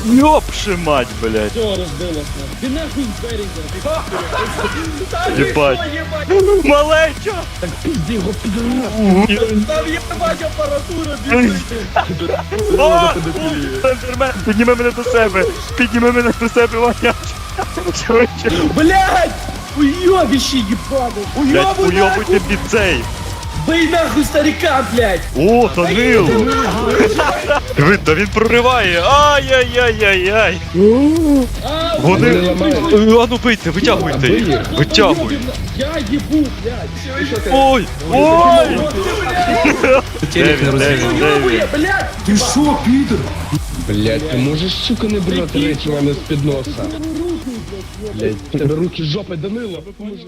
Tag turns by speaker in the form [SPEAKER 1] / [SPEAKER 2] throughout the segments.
[SPEAKER 1] Ёпши мать, блядь.
[SPEAKER 2] Все, розбилось нас. Ти нахуй двері
[SPEAKER 1] Єбать. Малечо!
[SPEAKER 2] Так пізді його підру. Там єбать апаратура біжить.
[SPEAKER 1] О! Ендермен, підніми мене до себе! Підніми мене до себе, Ваня! Швидше!
[SPEAKER 2] Блядь! Уйобище ебаный!
[SPEAKER 1] Блядь,
[SPEAKER 2] Уйобуй
[SPEAKER 1] уйобуйте
[SPEAKER 2] нахуй!
[SPEAKER 1] під цей!
[SPEAKER 2] Бей нахуй старика, блядь!
[SPEAKER 1] О, Данил! Диви, та він прориває! Ай-яй-яй-яй-яй!
[SPEAKER 2] А,
[SPEAKER 1] Вони...
[SPEAKER 2] уйобуй,
[SPEAKER 1] А ну бийте, витягуйте їх! Витягуй!
[SPEAKER 2] Я ебу, блядь!
[SPEAKER 1] Ой! Ой!
[SPEAKER 3] Телек не розуміє.
[SPEAKER 2] Уйобує, блядь!
[SPEAKER 3] Ти шо, підер?
[SPEAKER 4] Блять, ти можеш, сука, не брати речі в мене з-під носа. Блять, в тебе руки жопи, Данило, поможи.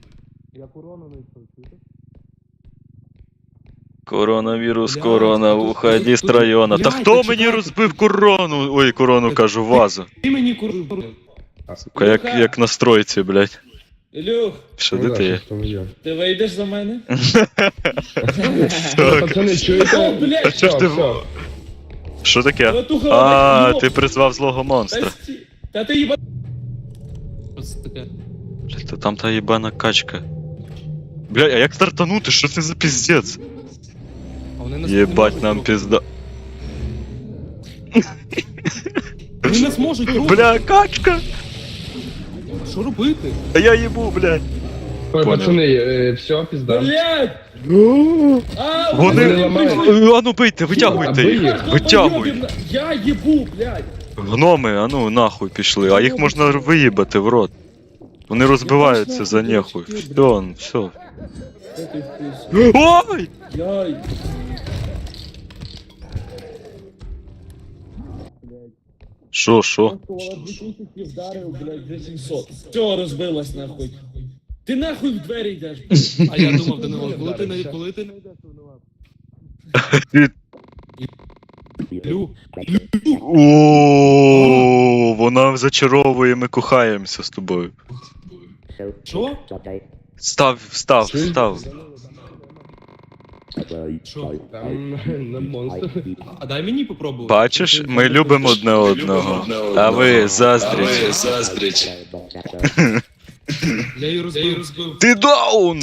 [SPEAKER 1] Коронавірус, корона, уходи з района. Та хто мені розбив корону? Ой, корону кажу, вазу.
[SPEAKER 3] Ти мені курва.
[SPEAKER 1] Сука, як на стройці, блядь.
[SPEAKER 2] Ілюх,
[SPEAKER 1] Що де ти є?
[SPEAKER 2] ти вийдеш за мене?
[SPEAKER 4] Пацани, чуєте?
[SPEAKER 2] О, блядь!
[SPEAKER 1] А що ж ти...
[SPEAKER 2] Все.
[SPEAKER 1] Що таке?
[SPEAKER 2] Братуха,
[SPEAKER 1] А,
[SPEAKER 2] йоп.
[SPEAKER 1] ти призвав злого монстра.
[SPEAKER 2] Та ти їба...
[SPEAKER 3] Що це таке?
[SPEAKER 1] Блядь, та там та єбана качка. Блядь, а як стартанути? Що це за піздець?
[SPEAKER 3] А вони нас
[SPEAKER 1] Єбать
[SPEAKER 3] не
[SPEAKER 1] нам
[SPEAKER 3] можуть
[SPEAKER 1] пізда.
[SPEAKER 3] рухати. Вони нас можуть рухати.
[SPEAKER 1] Бля, качка!
[SPEAKER 3] Що робити?
[SPEAKER 1] А я їбу, блядь.
[SPEAKER 4] Ой,
[SPEAKER 1] Понял.
[SPEAKER 4] пацани, все, пізда.
[SPEAKER 2] Блядь! А,
[SPEAKER 1] Вони...
[SPEAKER 4] Вони ламають.
[SPEAKER 1] А ну бийте, витягуйте
[SPEAKER 4] Аби
[SPEAKER 1] їх.
[SPEAKER 4] їх.
[SPEAKER 1] Витягуй.
[SPEAKER 2] Я їбу, блядь!
[SPEAKER 1] Гноми, а ну нахуй пішли. А їх можна виїбати в рот. Вони розбиваються за нехуй. Все. Ой!
[SPEAKER 2] Яй!
[SPEAKER 1] Шо?
[SPEAKER 2] Просто 2000 вдарив, блядь, за 700. Все, розбилось нахуй. Ти нахуй в двері йдеш, блядь.
[SPEAKER 3] А я думав, Данило, коли ти не йдеш, винуват? Лю.
[SPEAKER 1] О, вона зачаровує, ми кохаємося з тобою.
[SPEAKER 3] Що?
[SPEAKER 1] Став.
[SPEAKER 3] Що?
[SPEAKER 4] Там на монстр.
[SPEAKER 3] А дай мені попробувати.
[SPEAKER 1] Бачиш, ми любимо одне одного. А ви заздріть.
[SPEAKER 3] Я її розбив.
[SPEAKER 1] Ти даун!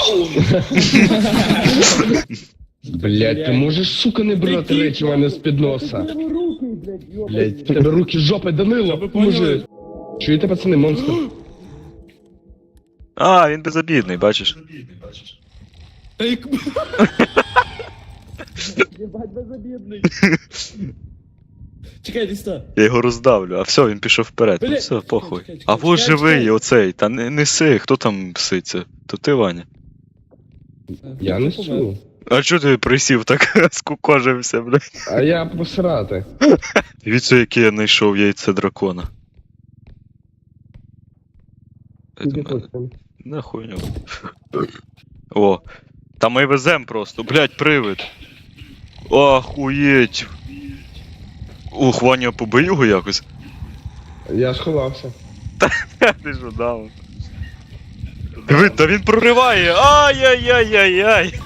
[SPEAKER 4] Блять, ти можеш, сука, не брати речі в мене з-під носа. Блять, в тебе руки жопи, Данило, поможи. Чуєте, пацани, монстр?
[SPEAKER 1] А, він безобідний, бачиш.
[SPEAKER 3] Та як...
[SPEAKER 2] Єбать, безобідний. Чекай, десь так.
[SPEAKER 1] Я його роздавлю, а все, він пішов вперед. Ну
[SPEAKER 2] Бля,
[SPEAKER 1] все, похуй.
[SPEAKER 2] чекай,
[SPEAKER 1] А во
[SPEAKER 2] чекай.
[SPEAKER 1] живий оцей, та не неси, хто там пситься? То ти, Ваня.
[SPEAKER 4] Я несу.
[SPEAKER 1] А чого ти присів так скукожився, блядь?
[SPEAKER 4] А я посрати.
[SPEAKER 1] Дивіться, яке я знайшов яйце дракона. На хуйню. О, та ми везем просто, блядь, привид. Охуєть. Ух, Ваня, побий його якось.
[SPEAKER 4] Я сховався.
[SPEAKER 1] Ти ж дав. Диви, та він прориває. Ай-яй-яй-яй-яй.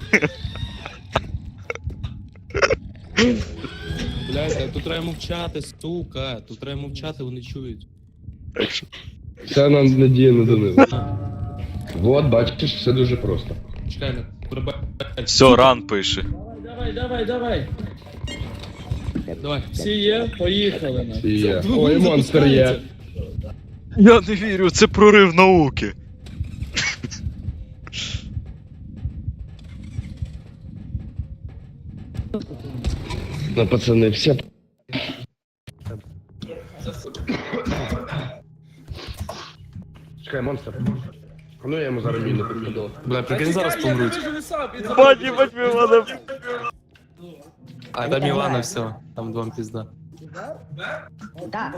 [SPEAKER 3] Блядь, тут треба мовчати, сука. Тут треба мовчати, вони чують.
[SPEAKER 1] Так що,
[SPEAKER 4] Це нам надія на Данило. Вот, бачиш, все дуже просто.
[SPEAKER 3] Чекай, не пробай.
[SPEAKER 1] все, ран пише.
[SPEAKER 2] Давай.
[SPEAKER 3] Давай.
[SPEAKER 2] Всі є, поїхали на.
[SPEAKER 4] І є. Ой, монстр є.
[SPEAKER 1] Я не вірю, це прорив науки.
[SPEAKER 4] Ну, пацани, все. Чекай, монстр. А ну я йому зараз міну підкидав.
[SPEAKER 3] Бля, прикинь, зараз помруть.
[SPEAKER 1] Бать, мене.
[SPEAKER 3] А там Івана все, там двом пізда.
[SPEAKER 5] Да.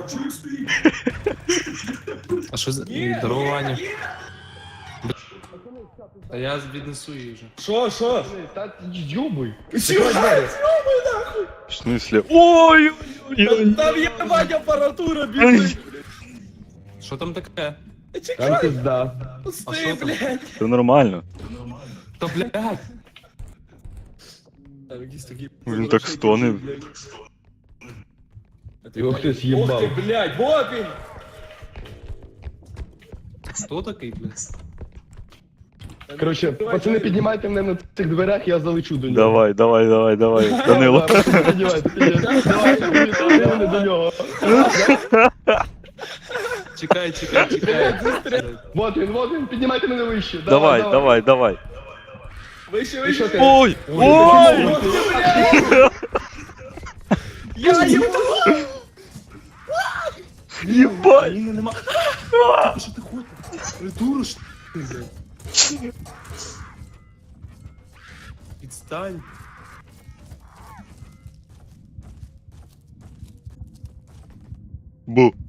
[SPEAKER 3] А що за... Здорово, Ваня. Та я віднесу її вже.
[SPEAKER 2] Що?
[SPEAKER 4] Та йобуй.
[SPEAKER 1] В смысле? Ой!
[SPEAKER 2] Там єбать апаратура біжить.
[SPEAKER 3] Що там таке?
[SPEAKER 4] Там
[SPEAKER 2] Чекай,
[SPEAKER 4] пизда.
[SPEAKER 3] А
[SPEAKER 2] пусти,
[SPEAKER 3] що там?
[SPEAKER 2] блядь.
[SPEAKER 1] Це нормально.
[SPEAKER 3] Та блядь!
[SPEAKER 2] Там якісь такі...
[SPEAKER 1] Він так стонив.
[SPEAKER 4] Його хтось
[SPEAKER 2] Ох
[SPEAKER 4] їбав.
[SPEAKER 2] ти, блядь, вот він!
[SPEAKER 3] Хто такий, блядь?
[SPEAKER 4] Коротше, пацани, піднімайте мене на цих дверях, я залечу до нього.
[SPEAKER 1] Давай, давай, давай, давай. Данило.
[SPEAKER 4] Піднімайте, піднімайте. Давай, піднімайте мене до нього.
[SPEAKER 3] Чекай.
[SPEAKER 4] Вот він, піднімайте мене вище.
[SPEAKER 1] Давай, давай, давай.
[SPEAKER 2] Вище,
[SPEAKER 4] І що
[SPEAKER 2] вище!
[SPEAKER 4] ти?
[SPEAKER 1] Ой! Ой!
[SPEAKER 2] Ох ти, блядь! Я його!
[SPEAKER 1] Єбать!
[SPEAKER 3] Ні, нема. Що ти хочеш? Придуру ж ти, блядь. Відстань.
[SPEAKER 1] Бу.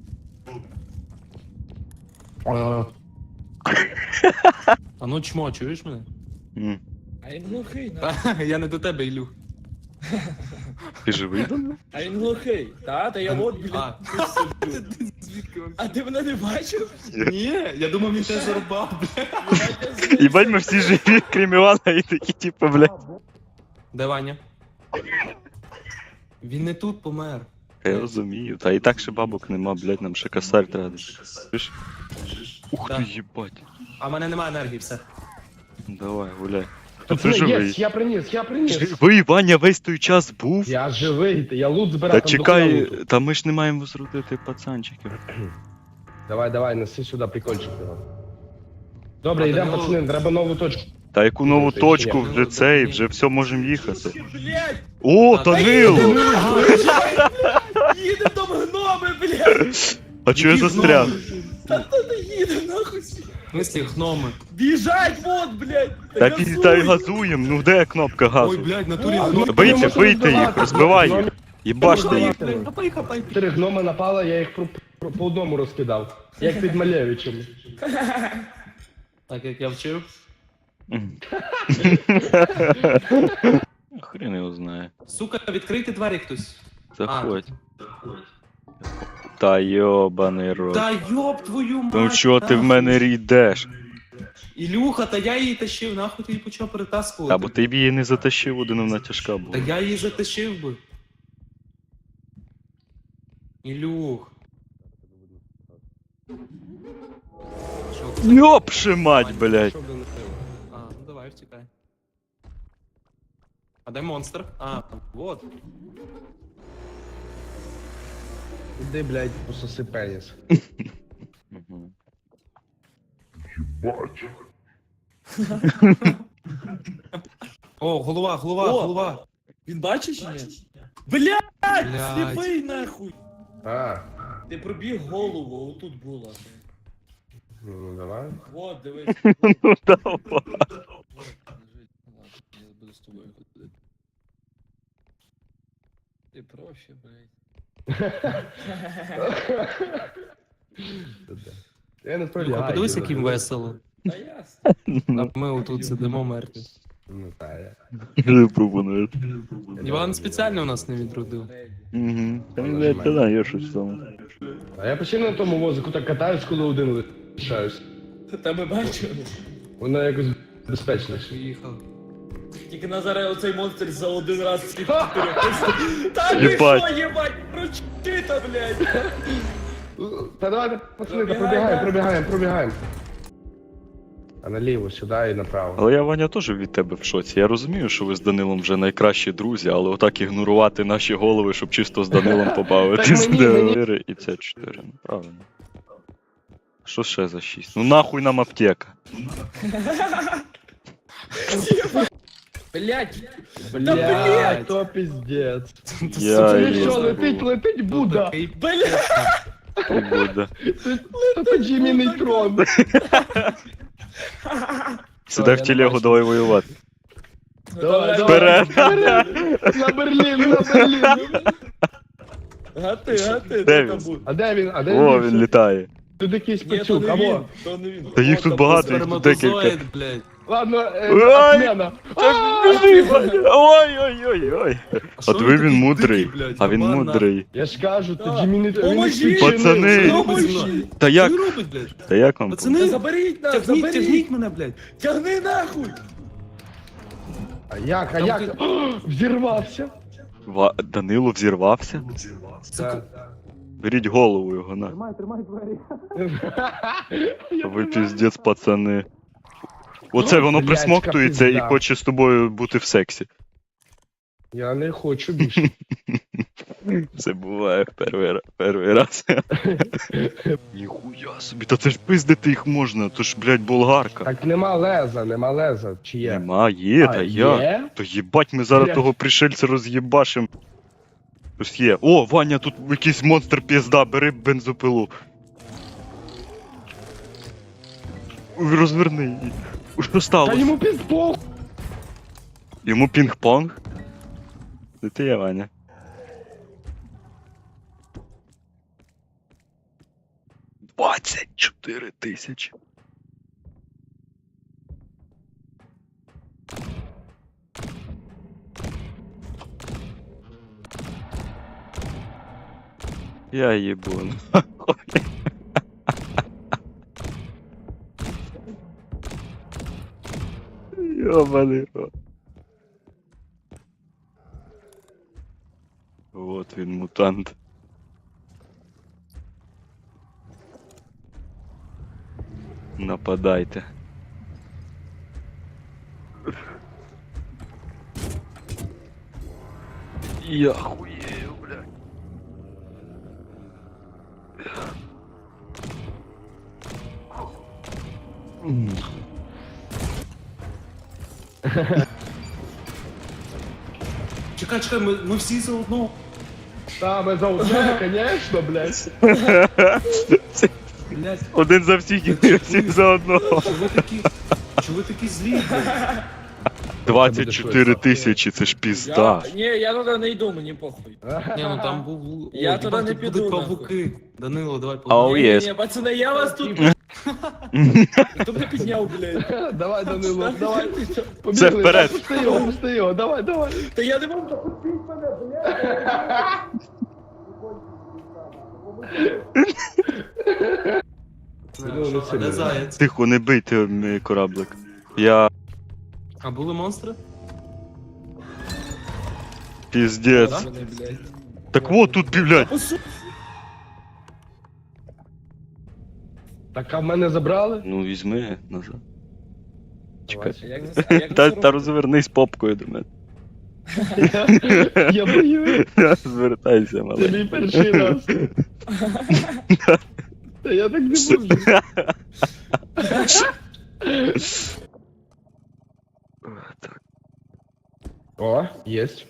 [SPEAKER 3] А ну чмо, чуєш мене?
[SPEAKER 1] М.
[SPEAKER 2] А він глухий, на.
[SPEAKER 3] Я не до тебе, Ілюх.
[SPEAKER 1] Ти живий?
[SPEAKER 2] А він глухий. Та я от, блядь.
[SPEAKER 3] А, звідки
[SPEAKER 2] А ти мене не бачив?
[SPEAKER 3] Ні, я думав, він тебе зарубав, блядь.
[SPEAKER 1] Єбать, ми всі живі, крім Івана, і такі, типу, блядь.
[SPEAKER 3] Де Ваня? Він не тут помер.
[SPEAKER 1] Я розумію, та і так ще бабок нема, блядь, нам ще косарь треба. Чуєш? Ух ти,
[SPEAKER 3] Да.
[SPEAKER 1] їбать.
[SPEAKER 3] А в мене немає енергії, все.
[SPEAKER 1] Давай, гуляй. Ти
[SPEAKER 4] Пацани,
[SPEAKER 1] живий.
[SPEAKER 4] єсть, я приніс.
[SPEAKER 1] Живий, Ваня весь той час був.
[SPEAKER 4] Я живий, я лут збираю.
[SPEAKER 1] Та
[SPEAKER 4] там
[SPEAKER 1] чекай,
[SPEAKER 4] дохуя луту.
[SPEAKER 1] та ми ж не маємо возродити пацанчиків.
[SPEAKER 4] Давай, неси сюди прикольчик його. Добре,
[SPEAKER 3] А,
[SPEAKER 4] йдемо,
[SPEAKER 3] Данило-
[SPEAKER 4] пацани, треба нову точку.
[SPEAKER 1] Та яку нову
[SPEAKER 4] Ти
[SPEAKER 1] точку
[SPEAKER 4] ще
[SPEAKER 1] вже цей, вже все можемо їхати.
[SPEAKER 2] Блядь!
[SPEAKER 1] О,
[SPEAKER 3] А,
[SPEAKER 1] Данил!
[SPEAKER 2] Їде там гноми, блядь!
[SPEAKER 1] А чого я
[SPEAKER 3] Які
[SPEAKER 1] застряг?
[SPEAKER 3] гноми?
[SPEAKER 2] Та не їде, нахуй!
[SPEAKER 3] В смислі, гноми.
[SPEAKER 2] Біжать, вот, блядь!
[SPEAKER 1] Та
[SPEAKER 2] газуй!
[SPEAKER 1] та й газуємо, ну де кнопка
[SPEAKER 3] Ой,
[SPEAKER 1] газу?
[SPEAKER 3] блядь, в натурі
[SPEAKER 4] А,
[SPEAKER 3] гноми.
[SPEAKER 4] ну,
[SPEAKER 1] Вийти,
[SPEAKER 4] можна
[SPEAKER 1] вийти їх,
[SPEAKER 4] розбивати.
[SPEAKER 1] розбивай їх.
[SPEAKER 4] Гномів-
[SPEAKER 1] Їбаште їх.
[SPEAKER 3] Хапай.
[SPEAKER 4] 4 гноми напали, я їх по одному розкидав. Як під Малевичем.
[SPEAKER 3] Так як я вчив.
[SPEAKER 1] Хрен його знає.
[SPEAKER 3] Сука, відкрийте двері хтось.
[SPEAKER 1] Заходь. Та йобаний рот.
[SPEAKER 3] Та йоб твою мать.
[SPEAKER 1] Ну чого ти в
[SPEAKER 3] нахуй.
[SPEAKER 1] мене йдеш?
[SPEAKER 3] Ілюха, та я її тащив, нахуй ти її почав перетаскувати.
[SPEAKER 1] Та бо ти б її не затащив, один вона тяжка
[SPEAKER 3] Та
[SPEAKER 1] була.
[SPEAKER 3] я її затащив би. Ілюх. Що, ти
[SPEAKER 1] Йопши мать, блядь.
[SPEAKER 3] пішов до Нетила? А, ну давай, втікай. А де монстр? А, вот.
[SPEAKER 4] Іди, блядь, пососи пеніс.
[SPEAKER 1] Мгм.
[SPEAKER 3] О, голова.
[SPEAKER 2] О! Він бачиш чи ні? Блядь!
[SPEAKER 3] Блядь.
[SPEAKER 2] Сліпий, нахуй!
[SPEAKER 4] А,
[SPEAKER 2] Ти пробіг голову, отут була.
[SPEAKER 4] ну давай.
[SPEAKER 2] Вот, дивись.
[SPEAKER 1] Ну давай.
[SPEAKER 2] Я буду з тобою ходити. Ти проще, блядь.
[SPEAKER 4] Я не справді.
[SPEAKER 3] Ілюха, подивись, яким весело.
[SPEAKER 2] Та ясно.
[SPEAKER 3] А ми отут сидимо мертві.
[SPEAKER 4] Ну так, я.
[SPEAKER 1] Не пропонуєш.
[SPEAKER 3] Іван спеціально нас не відродив.
[SPEAKER 1] Угу. Та не та є щось в тому.
[SPEAKER 4] А я постійно на тому возику так катаюсь, коли один лишаюсь.
[SPEAKER 2] Та ми бачили.
[SPEAKER 4] Воно якось безпечніше.
[SPEAKER 3] Поїхав.
[SPEAKER 2] Тільки Назаре оцей монстр за один раз всіх чотирьох. Та ти
[SPEAKER 1] Єбать.
[SPEAKER 2] що, єбать, прочита, блядь.
[SPEAKER 4] Та давайте, пацани, та пробігаємо. А наліво, сюди і направо.
[SPEAKER 1] Але я, Ваня, теж від тебе в шоці. Я розумію, що ви з Данилом вже найкращі друзі, але отак ігнорувати наші голови, щоб чисто з Данилом побавитись.
[SPEAKER 4] Так мені-
[SPEAKER 1] 4 і це 4, ну правильно. Що ще за 6? Ну нахуй нам аптека.
[SPEAKER 2] Блядь.
[SPEAKER 4] Блядь, то пиздец.
[SPEAKER 1] Я
[SPEAKER 4] Це
[SPEAKER 1] її
[SPEAKER 4] що,
[SPEAKER 1] забув.
[SPEAKER 4] летить Будда.
[SPEAKER 3] Такий
[SPEAKER 2] Блядь.
[SPEAKER 1] І буде.
[SPEAKER 4] Це Джиммі Нейтрон.
[SPEAKER 1] Сідай в телегу, давай воювати.
[SPEAKER 4] Давай,
[SPEAKER 1] Вперед!
[SPEAKER 4] На Берлін.
[SPEAKER 2] Гати,
[SPEAKER 1] Де
[SPEAKER 2] де
[SPEAKER 1] він?
[SPEAKER 2] там буде?
[SPEAKER 4] А де він?
[SPEAKER 1] О, він літає.
[SPEAKER 4] Тут якийсь
[SPEAKER 2] Ні, то
[SPEAKER 4] пацюк,
[SPEAKER 2] не він,
[SPEAKER 4] або.
[SPEAKER 2] то не він.
[SPEAKER 1] Та їх
[SPEAKER 2] О,
[SPEAKER 1] тут
[SPEAKER 2] там
[SPEAKER 1] багато, їх тут декілька.
[SPEAKER 3] сперматозоїд, блядь.
[SPEAKER 4] Ладно,
[SPEAKER 1] Ой!
[SPEAKER 4] отмена.
[SPEAKER 1] Біжи, Ваня! Ой-ой-ой-ой.
[SPEAKER 3] А що
[SPEAKER 1] От
[SPEAKER 3] він
[SPEAKER 1] ви
[SPEAKER 3] такий
[SPEAKER 1] він мудрий,
[SPEAKER 3] дикий, блядь,
[SPEAKER 1] а він
[SPEAKER 3] кабан,
[SPEAKER 1] мудрий.
[SPEAKER 4] Я ж кажу, це
[SPEAKER 2] Так.
[SPEAKER 4] Джиммі Нейтрон.
[SPEAKER 2] Поможіть!
[SPEAKER 1] Пацани!
[SPEAKER 3] Що робить зі мною?
[SPEAKER 1] Та
[SPEAKER 3] Що
[SPEAKER 1] як?
[SPEAKER 3] він робить, блядь?
[SPEAKER 1] Та як вам?
[SPEAKER 3] Пацани,
[SPEAKER 2] Та заберіть нас, заберіть.
[SPEAKER 3] Тягніть мене, блядь.
[SPEAKER 2] Тягни нахуй.
[SPEAKER 4] А як?
[SPEAKER 3] Там
[SPEAKER 4] О, взірвався.
[SPEAKER 1] Данило взірвався?
[SPEAKER 3] Так.
[SPEAKER 1] Беріть голову його, на.
[SPEAKER 2] Тримай двері.
[SPEAKER 1] Ви піздець, пацани. Оце воно
[SPEAKER 4] Блядь,
[SPEAKER 1] присмоктується і
[SPEAKER 4] пізда.
[SPEAKER 1] хоче з тобою бути в сексі.
[SPEAKER 4] Я не хочу більше.
[SPEAKER 1] Це буває перший раз. Ніхуя собі, та це ж пиздити їх можна, то ж, блядь, болгарка.
[SPEAKER 4] Так нема леза, чи є?
[SPEAKER 1] Нема, є, та я.
[SPEAKER 4] Є?
[SPEAKER 1] То їбать, ми зараз
[SPEAKER 4] Блядь.
[SPEAKER 1] того пришельця роз'єбашим. Ось є. О, Ваня, тут якийсь монстр пізда, бери бензопилу. Ой, розверни її. Що
[SPEAKER 4] Та
[SPEAKER 1] сталося?
[SPEAKER 4] йому пізбох!
[SPEAKER 1] Йому пінг-понг? Це ти є, Ваня. $24,000. Я їбу. Ёбаный рот. Вот він, мутант. Нападайте. Я хуею, блядь.
[SPEAKER 3] Чекай, ми всі заодно.
[SPEAKER 4] Та, ми за одне, конечно, блядь.
[SPEAKER 3] Блядь,
[SPEAKER 1] Один за всіх і всі за одного.
[SPEAKER 3] чого ви такі злі, блядь?
[SPEAKER 1] 24 тисячі, це ж пізда.
[SPEAKER 2] Ні, я туди не йду, мені похуй.
[SPEAKER 3] Ні, ну там був...
[SPEAKER 2] Я
[SPEAKER 3] Ой,
[SPEAKER 2] туди
[SPEAKER 3] їбать,
[SPEAKER 2] не
[SPEAKER 3] тут
[SPEAKER 2] піду,
[SPEAKER 3] будуть
[SPEAKER 2] нахуй.
[SPEAKER 3] павуки. Данило, давай
[SPEAKER 1] Ау,
[SPEAKER 3] павуки.
[SPEAKER 1] єс.
[SPEAKER 2] Ні, пацани, я вас тут... Хто мене підняв, блядь?
[SPEAKER 4] Давай, Данило, давай.
[SPEAKER 1] Це
[SPEAKER 4] Побігли,
[SPEAKER 1] вперед.
[SPEAKER 4] Пусти його, давай.
[SPEAKER 2] Та я не можу запустити мене, блядь.
[SPEAKER 4] Данило, не
[SPEAKER 3] Де
[SPEAKER 4] сильно.
[SPEAKER 3] заяць?
[SPEAKER 1] Тихо, не бийте мій кораблик. Я
[SPEAKER 3] А були монстри?
[SPEAKER 1] піздець.
[SPEAKER 2] Мене, блядь.
[SPEAKER 1] Так вот тут, блядь.
[SPEAKER 2] Посу...
[SPEAKER 4] Так, а в мене забрали?
[SPEAKER 1] Ну візьми назад. Чекай.
[SPEAKER 2] А як це- а як це
[SPEAKER 1] Та
[SPEAKER 2] робити?
[SPEAKER 1] розвернись попкою до мене.
[SPEAKER 4] Я боюсь.
[SPEAKER 1] Звертайся,
[SPEAKER 4] Це
[SPEAKER 1] малий.
[SPEAKER 4] мій перший раз. Та я так не можу.
[SPEAKER 1] Так.
[SPEAKER 4] О, єсть.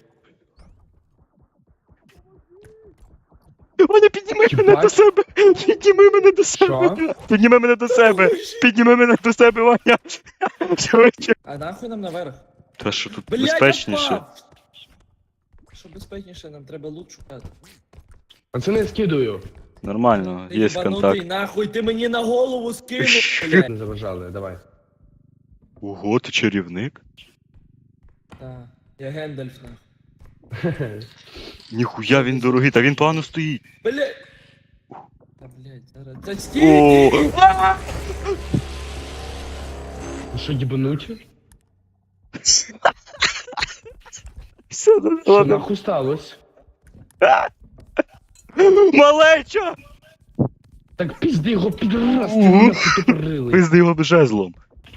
[SPEAKER 1] Ваня, підніми мене
[SPEAKER 4] Єбать.
[SPEAKER 1] до себе! Підніми мене до себе!
[SPEAKER 4] Що?
[SPEAKER 1] Підніми мене до себе! Підніми мене до себе, Ваня! Швидше!
[SPEAKER 2] А нахуй нам наверх?
[SPEAKER 1] Та що тут
[SPEAKER 2] Блядь,
[SPEAKER 1] безпечніше?
[SPEAKER 2] я впав! Що безпечніше, нам треба лут шукати.
[SPEAKER 4] Пацани, скидую.
[SPEAKER 1] Нормально,
[SPEAKER 2] Ти
[SPEAKER 1] є
[SPEAKER 2] єбанутий,
[SPEAKER 1] контакт.
[SPEAKER 2] нахуй, ти мені на голову скинув, блядь.
[SPEAKER 4] Не заважали, давай.
[SPEAKER 1] Ого, ти чарівник?
[SPEAKER 2] Так, я Гендальф, нахуй.
[SPEAKER 1] Ніхуя він дорогий, та він погано стоїть.
[SPEAKER 2] Блядь! Та, блядь, зараз... Та
[SPEAKER 1] О,
[SPEAKER 2] стій!
[SPEAKER 4] Ви що, дібануті?
[SPEAKER 1] все,
[SPEAKER 4] Що
[SPEAKER 1] ладно.
[SPEAKER 4] нахуй сталося?
[SPEAKER 1] Малеча!
[SPEAKER 4] Так пізди його підраз, ти нахуй тупорилий.
[SPEAKER 1] Пизди його жезлом.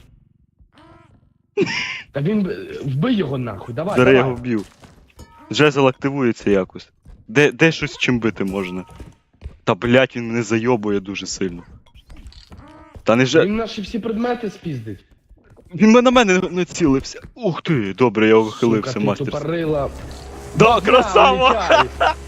[SPEAKER 4] Та він... Вбий його нахуй, давай,
[SPEAKER 1] Зараз я
[SPEAKER 4] давай.
[SPEAKER 1] його вб'ю. Жезл активується якось. Де щось чим бити можна? Та блять, він мене зайобує дуже сильно. Та не же.
[SPEAKER 4] Він наші всі предмети спіздить.
[SPEAKER 1] Він на мене націлився. Ух ти, добре, я ухилився,
[SPEAKER 4] Сука, ти
[SPEAKER 1] мастерство.
[SPEAKER 4] тупорила.
[SPEAKER 1] Да, красава!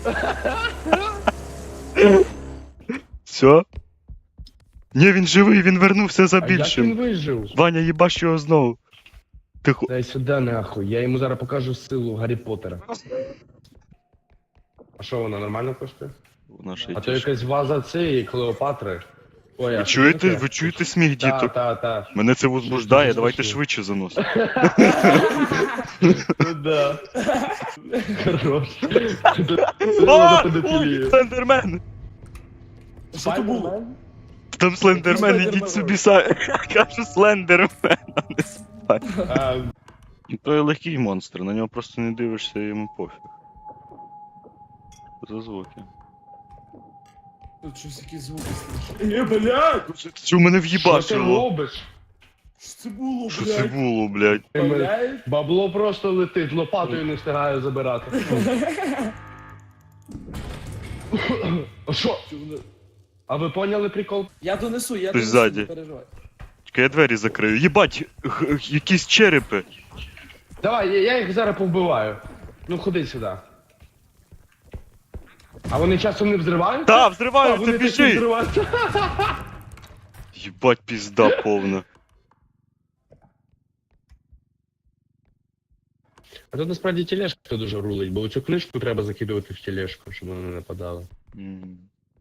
[SPEAKER 1] Все? Ні, він живий, він вернувся за
[SPEAKER 4] А як він
[SPEAKER 1] більшим.
[SPEAKER 4] вижив?
[SPEAKER 1] Ваня, їбаш його знову. Тихо.
[SPEAKER 4] Дай сюди нахуй, я йому зараз покажу силу Гаррі Поттера. А що вона нормально коштує?
[SPEAKER 1] Вона ще й
[SPEAKER 4] А то
[SPEAKER 1] тяжка.
[SPEAKER 4] якась ваза цієї Клеопатри. Ой, а
[SPEAKER 1] Ви
[SPEAKER 4] що
[SPEAKER 1] чуєте,
[SPEAKER 4] таке?
[SPEAKER 1] ви чуєте сміх
[SPEAKER 4] Та,
[SPEAKER 1] діток?
[SPEAKER 4] та.
[SPEAKER 1] Мене це возбуждає,
[SPEAKER 4] Дуже
[SPEAKER 1] давайте
[SPEAKER 4] смішно.
[SPEAKER 1] швидше заносимо.
[SPEAKER 4] Ну да. Хорош.
[SPEAKER 1] О, ой, Слендермен!
[SPEAKER 2] Що то було?
[SPEAKER 1] Там Слендермен,
[SPEAKER 2] Слендермен.
[SPEAKER 1] ідіть собі самі. Кажу Слендермен, а не спать.
[SPEAKER 4] А,
[SPEAKER 1] То є легкий монстр, на нього просто не дивишся, йому пофіг. За звуки.
[SPEAKER 2] Тут щось якісь звуки слышу. Блядь!
[SPEAKER 1] Що мене
[SPEAKER 4] Що ти
[SPEAKER 1] в'їбашило?
[SPEAKER 4] робиш?
[SPEAKER 2] Що це було,
[SPEAKER 1] Що це
[SPEAKER 2] блядь?
[SPEAKER 1] було, блядь?
[SPEAKER 2] Блядь?
[SPEAKER 4] Бабло просто летить, лопатою не встигаю забирати. А що? А ви поняли прикол?
[SPEAKER 2] Я донесу, я
[SPEAKER 1] Хтось
[SPEAKER 2] донесу,
[SPEAKER 1] ззаді.
[SPEAKER 2] не переживай.
[SPEAKER 1] Чекай, я двері закрию. Єбать, якісь черепи.
[SPEAKER 4] Давай, я їх зараз повбиваю. Ну ходи сюди. А вони часом не взривають?
[SPEAKER 1] Та,
[SPEAKER 4] А,
[SPEAKER 1] взриваю, ти
[SPEAKER 4] вони такі
[SPEAKER 1] біжи!
[SPEAKER 4] взриваються.
[SPEAKER 1] Єбать, пізда повна.
[SPEAKER 4] А тут насправді тележка дуже рулить, бо цю книжку треба закидувати в тележку, щоб вона не нападала.
[SPEAKER 1] М.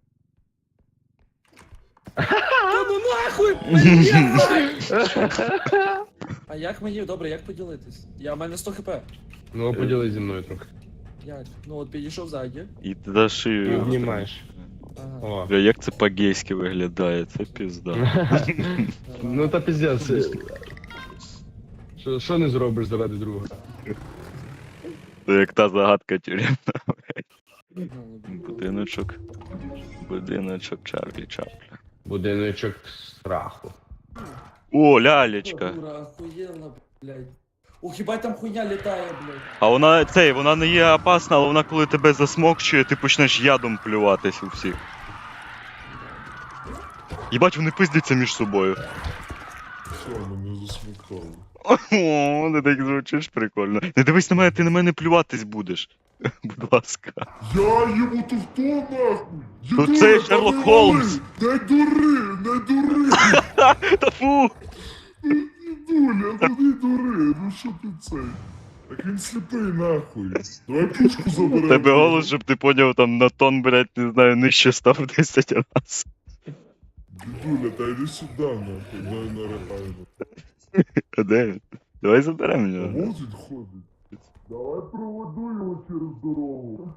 [SPEAKER 2] Та ну нахуй, блядь! А як мені, добре, як поділитись? В мене 100 хп.
[SPEAKER 4] Ну, поділись зі мною трохи.
[SPEAKER 2] Як? Ну от підійшов ззаді.
[SPEAKER 1] І ти даш
[SPEAKER 4] Ти
[SPEAKER 1] шию.
[SPEAKER 4] обнімаєш.
[SPEAKER 2] Ага.
[SPEAKER 4] О.
[SPEAKER 1] Бля, як це по-гейськи виглядає, це пізда.
[SPEAKER 4] Ну та пиздец. Що не зробиш заради друга?
[SPEAKER 1] Це як та загадка тюремна.
[SPEAKER 2] Ну,
[SPEAKER 1] Будиночок. Будиночок Чарлі Чапля.
[SPEAKER 4] Будиночок страху.
[SPEAKER 1] О, лялечка.
[SPEAKER 2] дура, охуєнна, блядь. О, хіба там хуйня літає, блядь.
[SPEAKER 1] А вона не є опасна, але вона коли тебе засмокчує, ти почнеш ядом плюватись у всіх. Єбать, вони пиздяться між собою.
[SPEAKER 3] Все, мене засміхало.
[SPEAKER 1] О, ти так звучиш прикольно. Не дивись на мене, ти на мене плюватись будеш. Будь ласка.
[SPEAKER 3] Я йому то хто нахуй?
[SPEAKER 1] Тут
[SPEAKER 3] Дідуля,
[SPEAKER 1] цей
[SPEAKER 3] та
[SPEAKER 1] Шерлок
[SPEAKER 3] не
[SPEAKER 1] Холмс.
[SPEAKER 3] вали! Не дури, не дури!
[SPEAKER 1] Та фу!
[SPEAKER 3] Дідуля, та не дури, ну що ти цей? Так він сліпий нахуй. Давай пушку заберемо.
[SPEAKER 1] Тебе голос, щоб ти поняв, там на тон, блядь, не знаю, нижче став 10 раз.
[SPEAKER 3] Дідуля, та йди сюди нахуй, дай наригайно.
[SPEAKER 1] А де він? Давай заберемо його.
[SPEAKER 3] Вот він ходить. Давай проведу його через дорогу.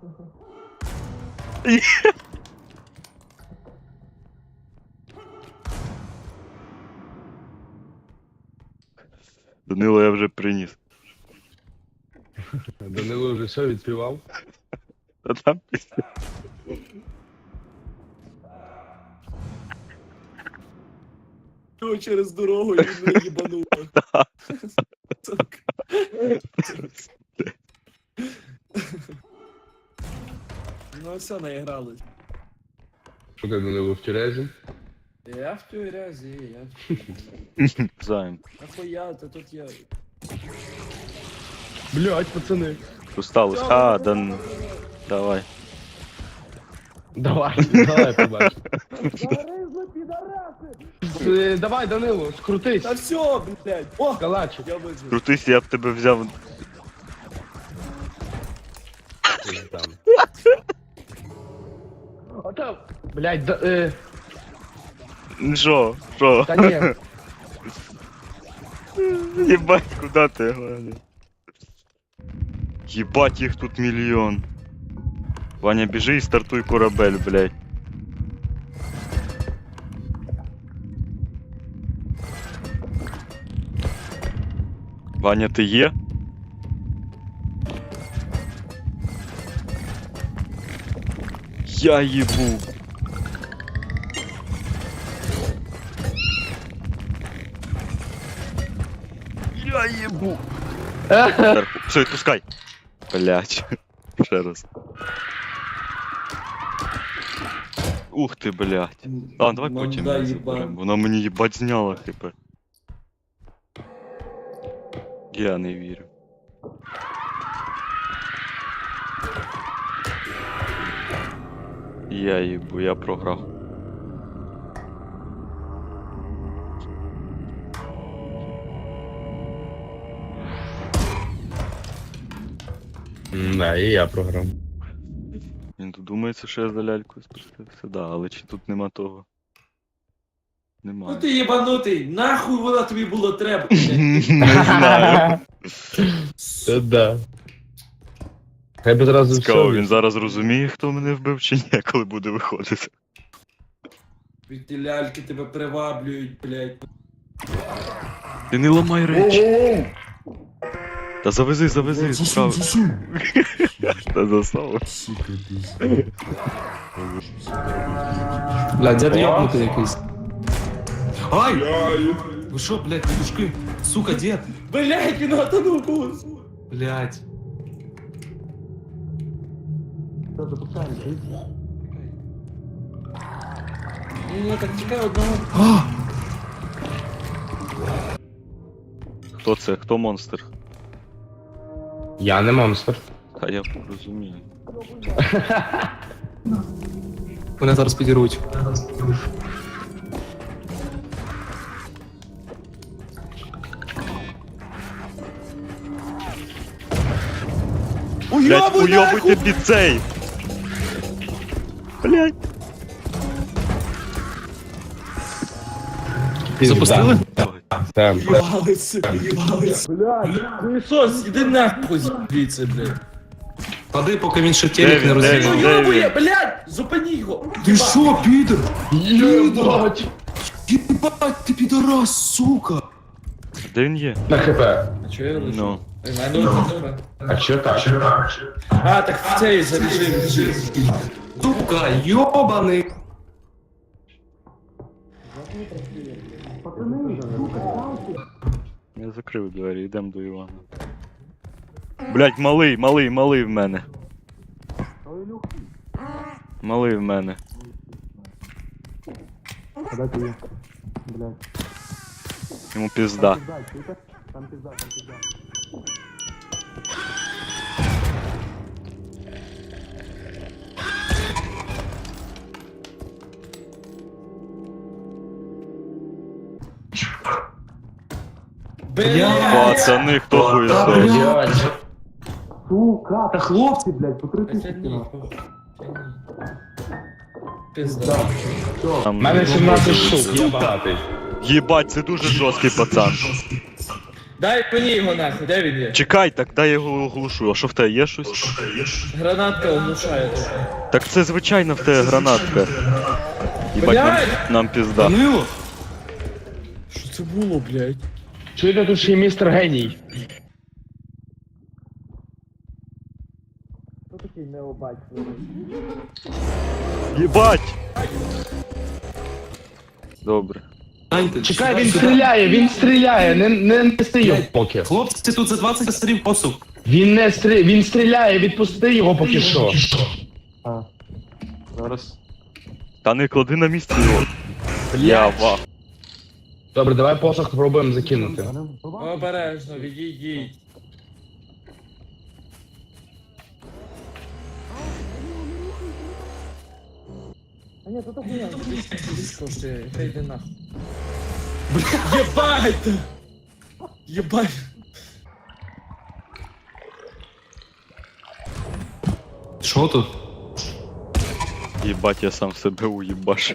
[SPEAKER 1] Данило я вже приніс.
[SPEAKER 4] Данило вже все відспівав.
[SPEAKER 1] А там після.
[SPEAKER 2] Його через дорогу і він не їбанув. Сука. Ну все, наігрались.
[SPEAKER 4] Що ти, Данило, в тюрезі?
[SPEAKER 2] Я в тюрязі, я в тюрязі.
[SPEAKER 1] Займ.
[SPEAKER 2] Нахуя, та тут я...
[SPEAKER 4] Блять, пацани.
[SPEAKER 1] Що сталося? А, Дан... Давай.
[SPEAKER 4] Давай побачимо. Давай, Данило, скрутись.
[SPEAKER 2] Та все, блядь. О!
[SPEAKER 4] Калачик.
[SPEAKER 2] Я вижу.
[SPEAKER 1] Крутись, я б тебе взяв.
[SPEAKER 4] Там. А там, блять,
[SPEAKER 1] Що? Що?
[SPEAKER 4] та ні.
[SPEAKER 1] Єбать, куди ти гладиш? Єбать, їх тут мільйон. Ваня, біжи і стартуй корабель, блядь. Ваня, ти є? Я їбу. Я їбу. Все, відпускай. Блять. Ще раз. Ух ти, блять. А, давай потім
[SPEAKER 2] Манда
[SPEAKER 1] її заберемо. Вона мені їбать зняла, типу. Я не вірю. Я їбу, я програв.
[SPEAKER 4] Да, і я програв.
[SPEAKER 1] Він тут думається, що я за лялькою спустився, да, але чи тут нема того?
[SPEAKER 2] Ну
[SPEAKER 1] Немає.
[SPEAKER 2] ти єбанутий, нахуй вона тобі було треба.
[SPEAKER 1] Не знаю.
[SPEAKER 4] Це да. Хай би зразу
[SPEAKER 1] Цікаво,
[SPEAKER 4] все.
[SPEAKER 1] він зараз розуміє, хто мене вбив чи ні, коли буде виходити.
[SPEAKER 2] Ті ляльки тебе приваблюють, блядь.
[SPEAKER 1] Ти не ламай речі.
[SPEAKER 3] Оу!
[SPEAKER 1] Та завези,
[SPEAKER 3] Засунь,
[SPEAKER 1] справа.
[SPEAKER 3] засунь.
[SPEAKER 1] Та засав.
[SPEAKER 3] Сука, пизда.
[SPEAKER 2] Бля, дед ёбнутий якийсь.
[SPEAKER 6] Ай!
[SPEAKER 3] Я...
[SPEAKER 6] Вы шо, блядь, петушки? Сука, дед!
[SPEAKER 2] Блядь, він отонув когось.
[SPEAKER 6] Блядь.
[SPEAKER 2] Ні, так чекай одного.
[SPEAKER 6] А!
[SPEAKER 1] Хто це? Хто монстр?
[SPEAKER 4] Я не монстр.
[SPEAKER 1] Та я розумію.
[SPEAKER 6] Мене зараз підіруть.
[SPEAKER 1] Блять, уйобуйте під цей! Блять.
[SPEAKER 6] Запустили?
[SPEAKER 4] Так.
[SPEAKER 2] Їбалися, їбалися. Блядь, хуєсос, іди нахуй звідси, блядь.
[SPEAKER 6] Пади, поки він ще телек не
[SPEAKER 1] Де
[SPEAKER 6] розігнав.
[SPEAKER 1] він?
[SPEAKER 2] Йобує, блядь, зупини його.
[SPEAKER 6] Ти шо, підер?
[SPEAKER 4] Єбать!
[SPEAKER 6] Єбать, ти підорас, сука!
[SPEAKER 1] Де він є?
[SPEAKER 4] На хп.
[SPEAKER 2] А чого я лежу?
[SPEAKER 1] Ну.
[SPEAKER 2] У мене одна.
[SPEAKER 4] А чо так?
[SPEAKER 2] А, так в цей зарежим.
[SPEAKER 6] Сука, йобаний!
[SPEAKER 1] Я закрив двері, йдемо до Івана. Блять, малий в мене. Малий в мене. Йому пізда.
[SPEAKER 2] Блядь.
[SPEAKER 1] Пацани, хто хуєсос?
[SPEAKER 4] Блядь.
[SPEAKER 6] Сука, та хлопці, блядь, по 3
[SPEAKER 2] Це ні. Пизда.
[SPEAKER 4] У мене 17 штук, єбатий.
[SPEAKER 1] Єбать, це дуже жорсткий пацан.
[SPEAKER 2] Дай мені його нахуй, де він є?
[SPEAKER 1] Чекай, так дай я його оглушу. А що в тебе є щось?
[SPEAKER 2] Гранатка оглушає.
[SPEAKER 1] Так це звичайно в тебе гранатка. Єбать,
[SPEAKER 2] Блядь!
[SPEAKER 1] нам пізда.
[SPEAKER 6] Данило?
[SPEAKER 2] Що це було, блядь?
[SPEAKER 4] Чуєте, тут ще є містер геній.
[SPEAKER 2] Хто такий необать?
[SPEAKER 1] Єбать! Добре.
[SPEAKER 6] Гляньте,
[SPEAKER 4] Чекай, він стріляє, не нести його поки.
[SPEAKER 6] Хлопці, тут за 20 стрім посуд.
[SPEAKER 4] Він стріляє, відпусти його поки що.
[SPEAKER 6] Зараз.
[SPEAKER 1] Та не клади на місце його. Я ва.
[SPEAKER 4] Добре, давай посох спробуємо закинути.
[SPEAKER 2] Обережно, відійдіть. А ні, тут хуйня, коштує, хай йде нахуй. Єбать! Єбать!
[SPEAKER 6] Що тут?
[SPEAKER 1] Єбать, я сам себе уїбаш.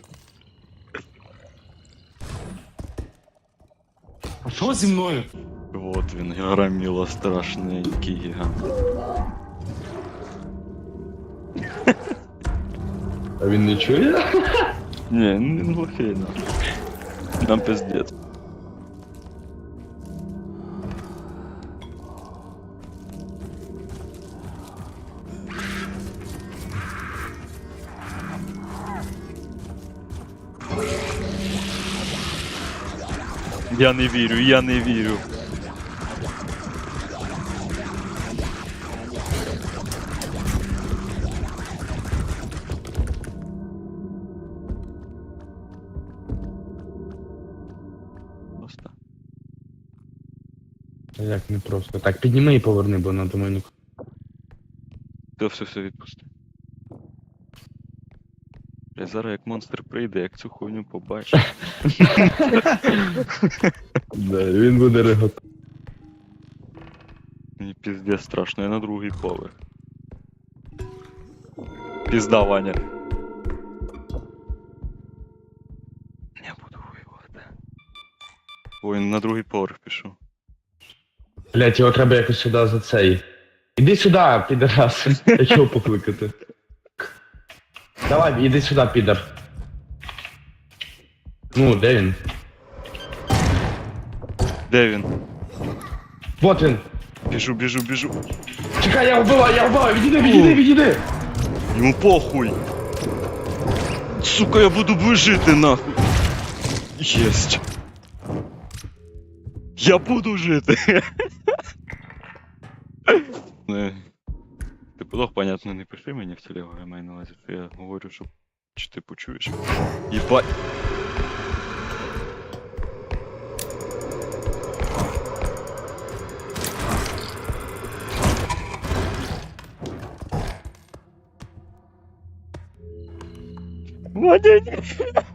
[SPEAKER 6] А що зі мною?
[SPEAKER 1] Вот він, громіло страшненький гігант.
[SPEAKER 4] А він не чує?
[SPEAKER 1] Ні, не глухий, на. Нам пиздец. Я не вірю. Просто.
[SPEAKER 4] Як не просто. Так, підніми і поверни, бо на думаю,
[SPEAKER 1] Все відпусти. Я зараз як монстр прийде, як цю хуйню побачу.
[SPEAKER 4] да, він буде реготати.
[SPEAKER 1] Мені піздець страшно, я на другий поверх. Пізда, Ваня. Я буду воювати. Ой, на другий поверх пішов.
[SPEAKER 4] Блять, його треба якось сюди за цей. Іди сюди, підарас. Як його покликати? Давай, іди сюди, підар. Ну, де він?
[SPEAKER 1] Де він?
[SPEAKER 4] Вот він.
[SPEAKER 1] Біжу.
[SPEAKER 4] Чекай, я вбиваю, відійди!
[SPEAKER 1] Йому похуй. Сука, я буду жити нахуй. Єсть. Я буду жити. Ти подох, понятно, не пиши мені в телегу, я маю на увазі, що я говорю, щоб чи ти почуєш. Єбать. Ваня, ні.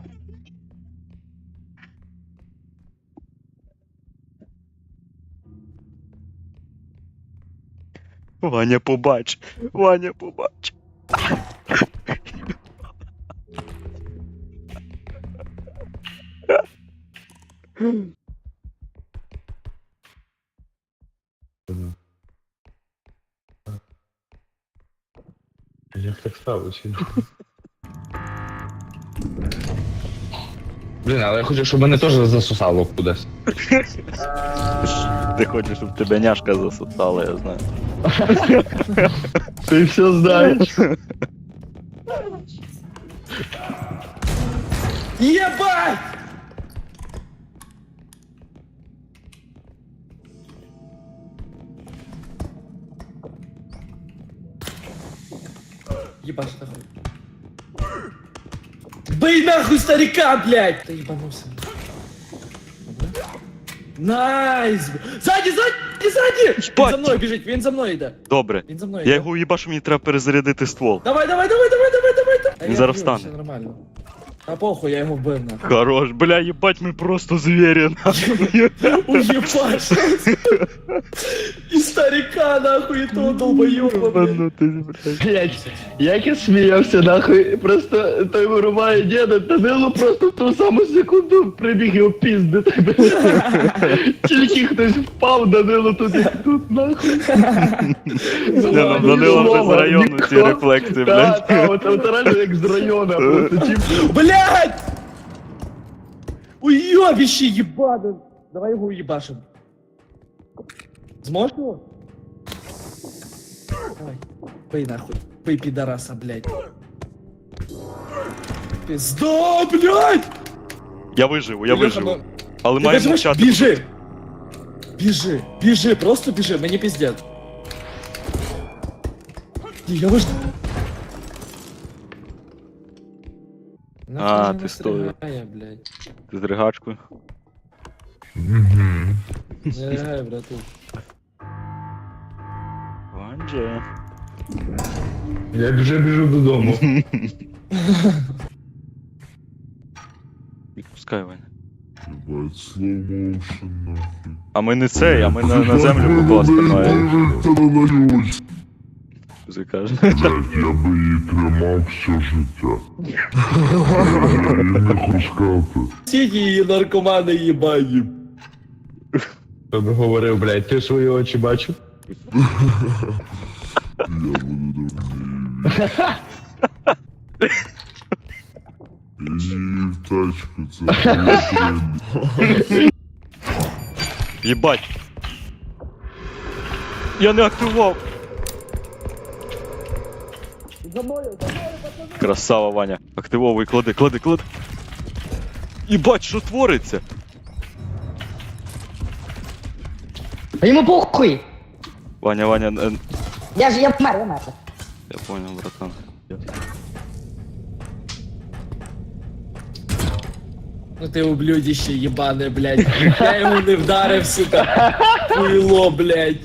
[SPEAKER 1] Ваня, побач.
[SPEAKER 4] Як так сталося? Блін, але я хочу, щоб мене теж засосало кудись.
[SPEAKER 1] Ти хочеш, щоб тебе няшка засосала, я знаю.
[SPEAKER 4] Ти все знаєш.
[SPEAKER 2] Єбать! Ебашь нахуй. Бей нахуй старика, блядь! Ты ебанулся. Найс! Сзади! Він
[SPEAKER 1] Ебать!
[SPEAKER 2] за мною біжить, він за мною йде.
[SPEAKER 1] Добре.
[SPEAKER 2] Він за мною
[SPEAKER 1] Я
[SPEAKER 2] йде.
[SPEAKER 1] його уїбашу, мені треба перезарядити ствол.
[SPEAKER 2] Давай!
[SPEAKER 1] Він зараз встане.
[SPEAKER 2] Все нормально. А похуй, я його вбив нахуй.
[SPEAKER 1] Хорош, бля, ебать, ми просто звірі, нахуй.
[SPEAKER 2] Уебать! І старика нахуй, і того долбоёба, блядь.
[SPEAKER 1] Ебанутий, блядь.
[SPEAKER 4] Блять, як я сміявся, нахуй, просто той вирубає діда, Данило просто в ту саму секунду прибіг і опіздити, блядь. Тільки хтось впав, Данило тут, нахуй.
[SPEAKER 1] Данило вже з району ці рефлекси, блядь.
[SPEAKER 4] Так, от реально як з району, просто тип.
[SPEAKER 2] Блядь! Уёбище ебаный! Давай его уебашим. Сможешь его? Давай. Пей нахуй. Пей пидораса, блядь. Пизда, блядь!
[SPEAKER 1] Я виживу.
[SPEAKER 2] Илюха, ну,
[SPEAKER 1] Але
[SPEAKER 2] ты
[SPEAKER 1] маю
[SPEAKER 2] нажимаешь?
[SPEAKER 1] мовчати.
[SPEAKER 2] Бежи, просто бежи, мне пиздец. Я вож...
[SPEAKER 1] А, ти стоїш.
[SPEAKER 2] блядь.
[SPEAKER 1] З ригачкою.
[SPEAKER 2] Не ригай, брату.
[SPEAKER 1] Ванже.
[SPEAKER 4] Я вже біжу додому.
[SPEAKER 1] Відпускай, Ваня.
[SPEAKER 3] Ебать, slow motion, нахуй.
[SPEAKER 1] А ми не цей, а ми на землю покласти маємо.
[SPEAKER 3] Можете надають.
[SPEAKER 1] Ти кажеш.
[SPEAKER 3] Блять, я би її тримав все життя. Я їй не хочу сказати.
[SPEAKER 2] Сіді наркомани їбані.
[SPEAKER 4] Хто би говорив, блядь, ти свої очі бачив?
[SPEAKER 3] Я буду давно її в тачку, це моє тренді.
[SPEAKER 1] Єбать. Я не активував. Красава, Ваня. Активовуй, клади. Єбать, що твориться?
[SPEAKER 5] А йому похуй!
[SPEAKER 1] Ваня,
[SPEAKER 5] Я вмер.
[SPEAKER 1] я понял, братан.
[SPEAKER 2] Ну ти ублюдище єбане, блядь. Я йому не вдарив, сука. Хуйло, блядь.